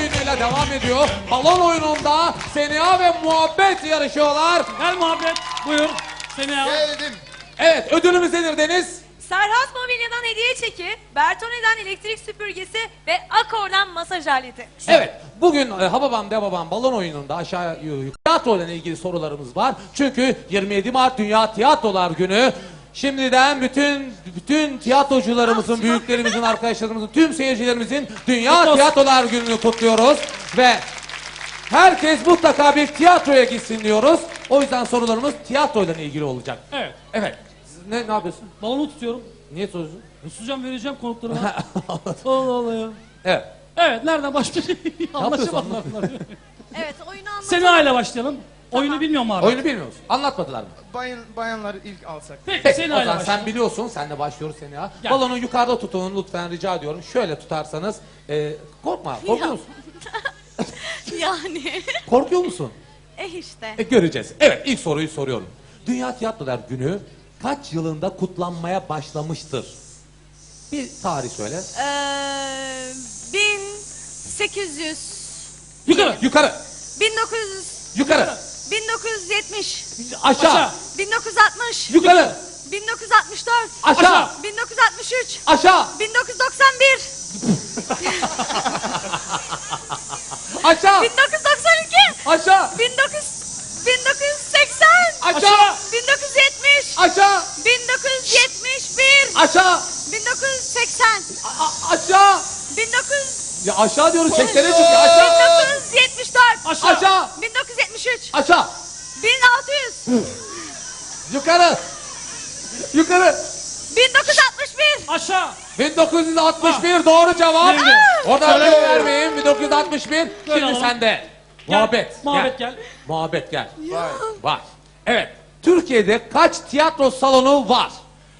oyunuyla devam ediyor. Balon oyununda Seniha ve Muhabbet yarışıyorlar. Gel Muhabbet, buyur. Seniha. Geldim. Evet, ödülümüz nedir Deniz? Serhat Mobilya'dan hediye çeki, Bertone'den elektrik süpürgesi ve Akor'dan masaj aleti. Evet, bugün Hababam Debabam balon oyununda aşağı yukarı tiyatro ile ilgili sorularımız var. Çünkü 27 Mart Dünya Tiyatrolar Günü. Şimdiden bütün tiyatrocularımızın, büyüklerimizin, arkadaşlarımızın, tüm seyircilerimizin Dünya Tiyatrolar Günü'nü kutluyoruz. Ve herkes mutlaka bir tiyatroya gitsin diyoruz. O yüzden sorularımız tiyatroyla ilgili olacak. Evet. Evet. Ne yapıyorsun? Balonu tutuyorum. Niye soruyorsun? Tutacağım, vereceğim konuklarıma. Allah Allah ya. Evet. Evet, nereden başlayalım? Anlaşamadılar. Evet, oyunu anlatalım. Seniha ile başlayalım. Oyunu bilmiyor mu abi? Oyunu bilmiyor musun? Anlatmadılar mı? Bayanları ilk alsak. Peki, Peki, Seniha o ile zaman başlayalım. sen biliyorsun, senle başlıyoruz Seniha. Gel. Balonu yukarıda tutun lütfen, rica ediyorum. Şöyle tutarsanız, korkma, korkuyor musun? Yani. Korkuyor musun? işte. Göreceğiz. Evet, ilk soruyu soruyorum. Dünya Tiyatrolar Günü kaç yılında kutlanmaya başlamıştır? Bir tarih söyle. 1800. Yukarı. Yukarı, 1900. yukarı, 1970. aşağı, Aşağı. 1960. yukarı, 1964. aşağı, 1963. aşağı, 1991. aşağı, 1992. aşağı, 1980. aşağı, 1970. aşağı, 1971. aşağı, 1980. aşağı. 1900. Ya aşağı diyoruz, çeksene çünkü aşağı, 1974. aşağı, 1973. aşağı, 1600. yukarı, yukarı. 1961. Aşağı. 1961 doğru cevap. Nerede? Orada ödül vermeyin. 1961. Şimdi alalım. sende. Gel. Muhabbet. Muhabbet gel. Muhabbet gel. Vay. Var. Evet. Türkiye'de kaç tiyatro salonu var?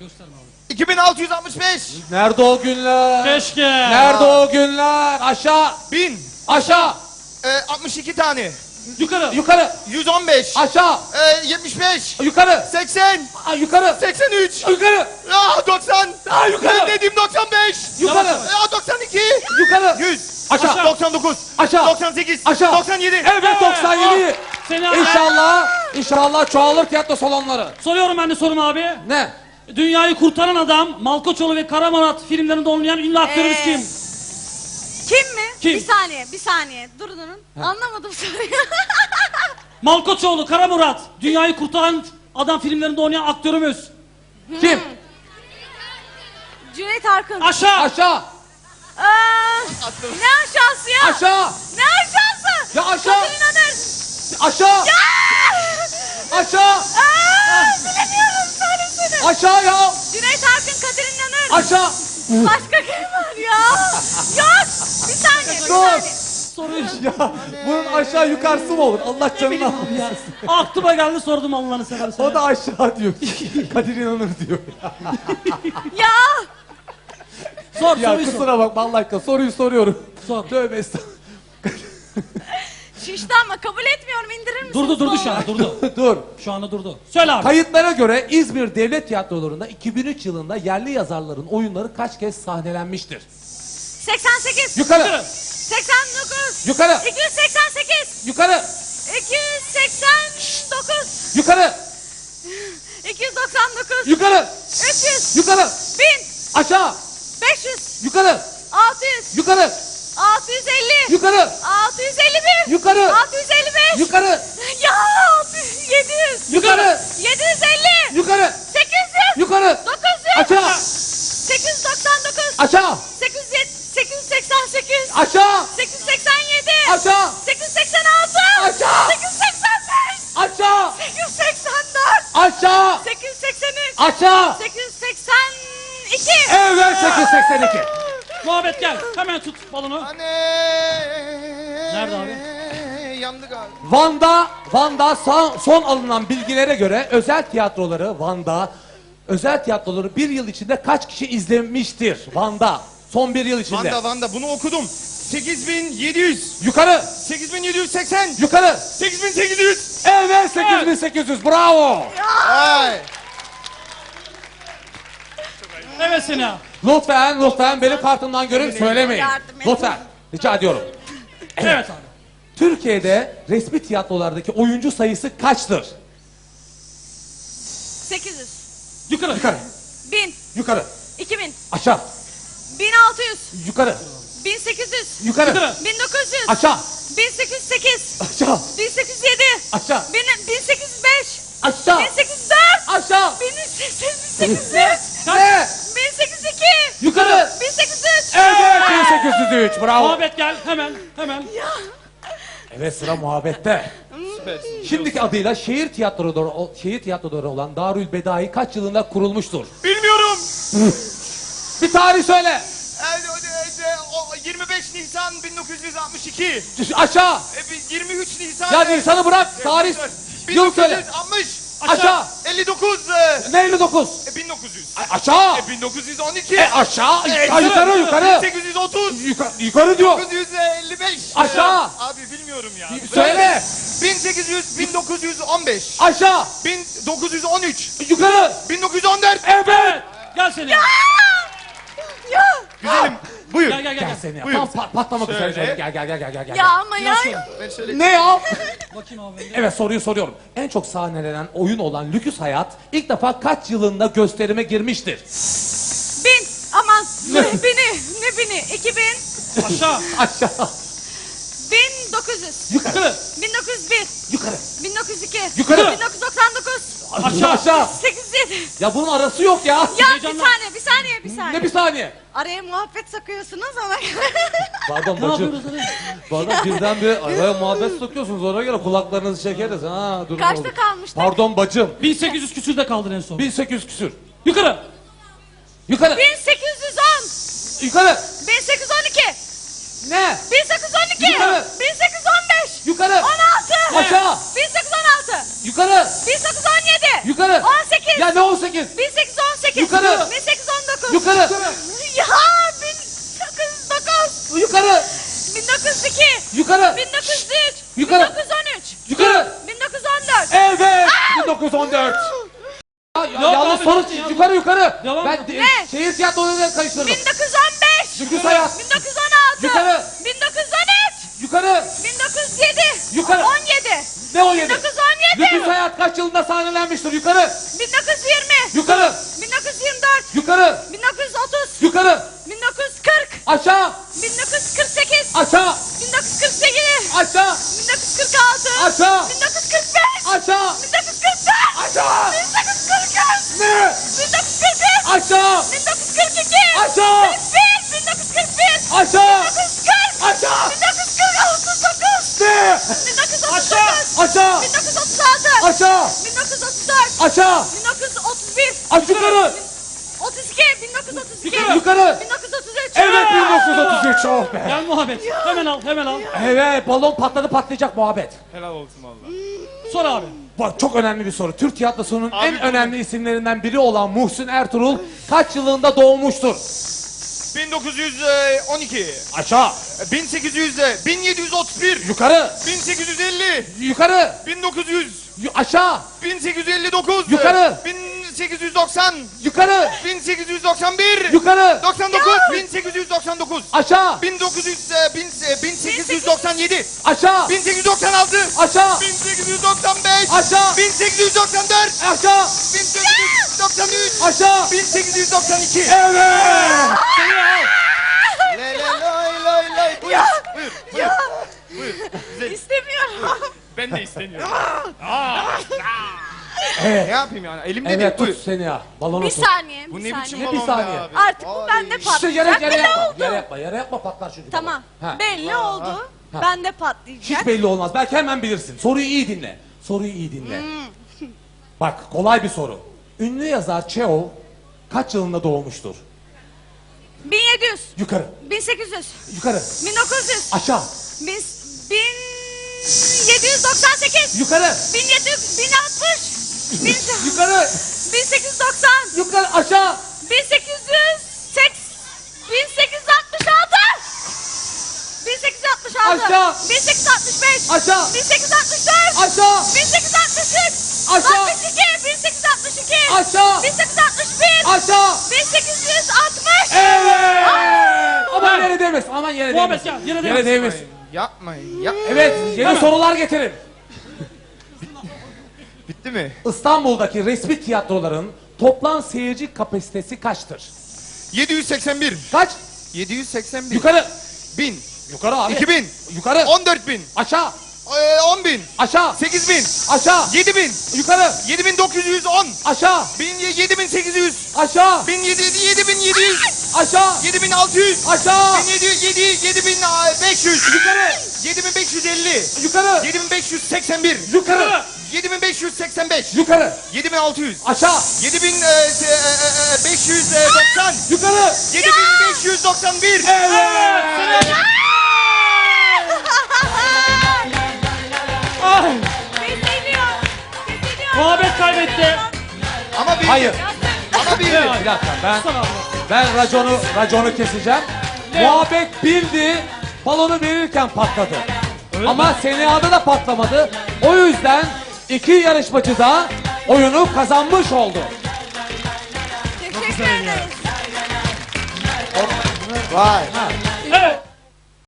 2665. Nerede o günler? Keşke. Nerede o günler? Aşağı. 1000. Aşağı. 62 tane. Yukarı. Yukarı. 115. Aşağı. 75. Yukarı. 80. Yukarı. 83. Yukarı. 90. Yukarı. Ben dediğim 95. Yukarı. 92. Yukarı. 100. Aşağı. 99. Aşağı. 98. Aşağı. 97. Evet 97. Seniha. İnşallah çoğalır tiyatro salonları. Soruyorum ben de sorum abi. Ne? Dünyayı kurtaran adam, Malkoçoğlu ve Kara Murat filmlerinde oynayan ünlü aktörümüz kim? Kim mi? Kim? Bir saniye. Durun. Anlamadım soruyu. Malkoçoğlu, Kara Murat, dünyayı kurtaran adam filmlerinde oynayan aktörümüz. Kim? Cüneyt Arkın. Aşağı. Aşağı. Ne aşağısı ya? Aşağı. Ne aşağısı? Ya aşağı. Kadın inanır. Aşağı. Aşağı. Bilemiyorum, söylesene. Aşağı ya. Cüneyt Arkın, Kadir İnanır. Aşağı. Başka kim var ya? Yok. Bir saniye. Bir Dur. saniye. Soruyu Ya bunun aşağı yukarısı mı olur? Allah canını almasın. aklıma geldi sordum Allah'ını seversen. O da aşağı diyor. Kadir İnanır diyor. Ya. Sor Ya soruyu sor. kusura bakma Allah aşkına soruyu soruyorum. Sor. Tövbe estağfurullah. Şişti ama kabul etmiyorum. İndirir misiniz? Durdu şu an durdu. Dur. Şu anda durdu. Söyle abi. Kayıtlara göre İzmir Devlet Tiyatroları'nda 2003 yılında yerli yazarların oyunları kaç kez sahnelenmiştir? 88. Yukarı. 89. Yukarı. 288. Yukarı. 289. Yukarı. 299. Yukarı. 300. Yukarı. 1000. Aşağı. 500. Yukarı. 600. Yukarı. 650. Yukarı. 651. Yukarı. 655. Yukarı. Ya 600. 700. Yukarı. 750. Yukarı. 800. Yukarı. 900. Aşağı. 899. Aşağı. 888. Aşağı. 887. Aşağı. 886. Aşağı. 885. Aşağı. 884. Aşağı. 883. Aşağı. 882. Evet 882. Muhabbet gel. Hemen tut balonu. Anne. Nerede abi? Yandı galiba. Van'da son alınan bilgilere göre özel tiyatroları bir yıl içinde kaç kişi izlemiştir Van'da? Son bir yıl içinde. Vanda bunu okudum. 8700. Yukarı. 8780. Yukarı. 8800. Evet 8800 bravo. Ay. Evet Seniha. Lütfen benim kartımdan görün söylemeyin. Yardım edin. Lütfen rica ediyorum. Evet abi. Türkiye'de resmi tiyatrolardaki oyuncu sayısı kaçtır? 800. Yukarı. Yukarı. 1000. Yukarı. 2000. Aşağı. 1600. Yukarı. 1800. Yukarı. Yukarı. 1900. Aşağı. 1808. Aşağı. 1807. Aşağı. 1805. Aşağı. 1804. Aşağı. 1803. Ne? 1802. Yukarı. 1803. Evet 1803 bravo. Muhabbet gel hemen. Evet sıra muhabbette. Şimdiki adıyla şehir tiyatroları olan Darül Bedai kaç yılında kurulmuştur? Bilmiyorum. Bir tarih söyle. 25 Nisan 1962. Aşağı. 23 Nisan. Ya Nisan'ı bırak. Tarih. Yıl söyle. 1960. Aşağı. 59. Ne 59? 1900. Aşağı. 1912. Aşağı. Yukarı. 1830. Yukarı diyor. 1955. Aşağı. Abi bilmiyorum ya. Söyle. 1915. Aşağı. 1913. Yukarı. 1914. Evet. Gel seni. Ya. Güzelim. Buyur. Gel. Seni ya. Buyur. Tam patlamak üzere. Şöyle. Gel. Ya ama ya. Ben şöyle. Ne ya? Bakayım abi. Evet soruyu soruyorum. En çok sahnelenen oyun olan Lüküs Hayat ilk defa kaç yılında gösterime girmiştir? 1000. Aman. Ne bini? 2000. Aşağı. Aşağı. 1900. Yukarı. 1901. Yukarı. 1902. Yukarı. 1999. Aşağı. 87. Ya bunun arası yok ya. Ya Heyecanlan. bir saniye. Ne bir saniye. Araya muhabbet sokuyorsunuz ama. Pardon Ne bacım. yapıyoruz hadi? Pardon birden bir araya muhabbet sokuyorsunuz. Ona göre kulaklarınızı çekeriz. Ha, durun Kaçta oldu. kalmıştık? Pardon bacım. 1800 küsürde kaldın en son. 1800 küsür. Yukarı. Yukarı. 1810. Yukarı. 1812. Ne? 1812. Yukarı. 1815. Yukarı. 16. Aşağı. 1816. Yukarı. 1817. Yukarı. 18. Ya ne 18? 1818. Yukarı. 1819. Yukarı. Ya 1909. Yukarı. 1902. Yukarı. 1903. Yukarı. 1913. Yukarı. 1914. Evet. 1914. Yanlış abi, soru. yanlış. Yukarı. Devam Ben et. Ne? şehir tiyatrolarıyla karıştırdım. 1915. Lüküs Hayat. 1916. Yukarı. 1913. Yukarı. 1907. Yukarı. 17. Ne 17? 1917. Lüküs Hayat kaç yılında sahnelenmiştir? Yukarı. 1920. Yukarı. 1924. Yukarı. 1930. Yukarı. 1940. Aşağı. 1948. Aşağı. 1948. Aşağı. 1946. Aşağı. 1945. Aşağı. 1944. Aşağı. 1943. Ne? 1943. Aşağı. 1942. Aşağı. 41. 1941. Aşağı. 1940. Aşağı. 1939. Ne? 1939. Aşağı. 1936. Aşağı. 1934. Aşağı. 1931. Aç yukarı. 32. 1932. Yukarı. 1933. Evet 1933. Oh be. Gel muhabbet. Hemen al. Evet balon patladı patlayacak muhabbet. Helal olsun valla. Sor abi. Bak çok önemli bir soru. Türk tiyatrosunun en önemli isimlerinden biri olan Muhsin Ertuğrul kaç yılında doğmuştur? 1912. Aşağı. 1731. Yukarı. 1850. Yukarı. 1900. Aşağı. 1859. Yukarı. 1890. Yukarı. 1891. Yukarı. 99. 1899. Aşağı. 1897. Aşağı. 1896. Aşağı. 1895. Aşağı. 1894. Aşağı. 1893. Aşağı. 1892. Evet. Lay lay lay lay. Buyur. Buyur. Güzel. İstemiyorum. Ben de istemiyorum. Ne yapayım yani? Elimde Evet değil. Buyur. tut seni ya. Balonu Bir tut. saniye. Bu bir ne saniye. biçim Ne balon bir be saniye? abi? Artık bu Ay. bende İşte patlayacak. yere Belli yapma. oldu. Yere yapma patlar çünkü. Tamam. balon. Ha. Belli oldu. Ha. Bende patlayacak. Hiç belli olmaz. Belki hemen bilirsin. Soruyu iyi dinle. Bak kolay bir soru. Ünlü yazar Çehov kaç yılında doğmuştur? 1700. Yukarı. 1800. Yukarı. 1900. Aşağı. 1798. Yukarı. 1700. 1060. Yukarı. 1890. Yukarı. Aşağı. 1866. 1866. Aşağı. 1865. Aşağı. 1864. Aşağı. 1863. Aşağı. 62. 1862. Aşağı. 1861. Aşağı. 1860. Evet. Aman yere değmesin. Aman yere Muhabbet değmesin. gel. Yere Yere değmesin. değmesin. Yapmayın. Yap. Evet, yeni Hemen. sorular getirin. Bitti mi? İstanbul'daki resmi tiyatroların toplam seyirci kapasitesi kaçtır? 781. Kaç? 781. Yukarı. 1000. Yukarı abi. 2000. Yukarı. 14.000. Aşağı. 10.000. Aşağı. 8.000. Aşağı. 7.000. Yukarı. 7.910. Aşağı. 7.800. Aşağı. 7.700. Aşağı. 7.600. Aşağı. 7.500. Yukarı. 7.550. Yukarı. 7.581. Yukarı. 7.585. Yukarı. 7.600. Aşağı. 7.590. Yukarı. 7.591. Ay, Kesiliyor. muhabbet kaybetti. Ama bir. Hayır. Ama bir. Bir dakika ben raconu keseceğim. Muhabbet bildi. Balonu verirken patladı. Ama Seniha'da da patlamadı. O yüzden iki yarışmacı da oyunu kazanmış oldu. Teşekkür ederiz. Vay. Evet.